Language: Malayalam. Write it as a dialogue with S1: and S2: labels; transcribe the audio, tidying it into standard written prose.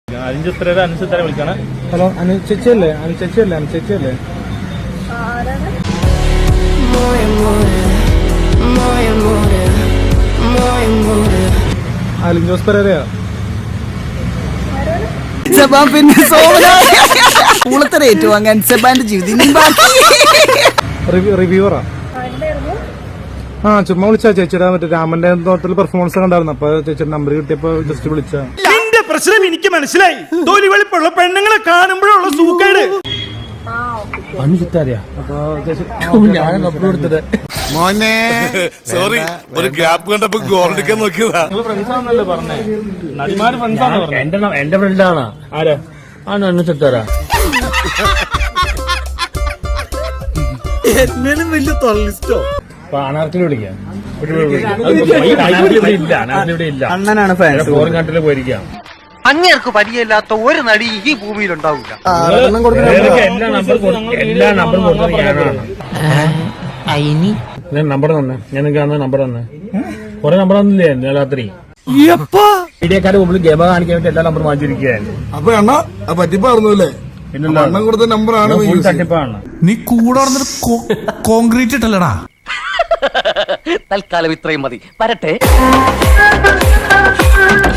S1: വിളിക്കാണ്.
S2: ഹലോ, അനുചേച്ചിയല്ലേ? അനുചേച്ചിയല്ലേ? അലിൻ ജോസ് പെരേരയാ.
S3: പിന്നെ പൂളത്തര ഏറ്റുവാങ്ങാൻ സെബാന്റെ ജീവിതം
S2: റിവ്യൂവറാ. ചുമ്മാ വിളിച്ചാ ചേച്ചിയുടെ മറ്റേ രാമന്റെ തോട്ടത്തിൽ പെർഫോമൻസ് കണ്ടായിരുന്നു. അപ്പൊ ചേച്ചിയുടെ നമ്പർ കിട്ടിയപ്പോ ജസ്റ്റ് വിളിച്ചാ.
S1: നിന്റെ പ്രശ്നം എനിക്ക് മനസ്സിലായി. തൊലി വെളുപ്പുള്ള പെണ്ണുങ്ങളെ കാണുമ്പോഴുള്ള സൂക്കേട്.
S4: മോനെ സോറി, ഒരു ഗ്യാപ്പ് കണ്ടപ്പോ ഗോൾഡിക്കാൻ നോക്കിയതാ.
S1: നടിമാര് ഫ്രണ്ട്സാണ് പറഞ്ഞത്.
S5: എന്റെ ഫ്രണ്ടാണ്.
S1: ആരാ?
S5: ആണ് അനുസരിച്ചാരാ.
S4: എന്നാലും വലിയ തൊള്ളിസ്റ്റോ.
S5: അനാർക്കിൽ വിളിക്കാം.
S2: അണ്ണനാണ് ഫാൻസ്.
S5: ഫോറിൻ കൺട്രിയിൽ പോയിരിക്കാം.
S6: അങ്ങേർക്ക് പരിചയമില്ലാത്ത ഒരു നടി ഈ ഭൂമിയിൽ ഉണ്ടാവില്ല.
S5: എല്ലാ നമ്പറും കൊടുത്തത് ഞാനാണ്. നമ്പർ തന്നെ ഞാൻ നിങ്ങൾക്ക് നമ്പർ തന്നെ കുറെ നമ്പർ തന്നില്ലേ രാത്രി. മീഡിയക്കാരുടെ മുമ്പിൽ ഗെയിം കാണിക്കാൻ വേണ്ടി എല്ലാ നമ്പറും വാങ്ങിച്ചിരിക്കുകയായിരുന്നു.
S4: അപ്പൊ അണ്ണ പറ്റിപ്പാർന്നല്ലേ? അണ്ണൻ കൊടുത്ത നമ്പറാണ്.
S5: തട്ടിപ്പാണ്.
S7: നീ കൂടെ കോൺക്രീറ്റ് ഇട്ടല്ലടാ.
S6: തൽക്കാലം ഇത്രയും മതി. വരട്ടെ.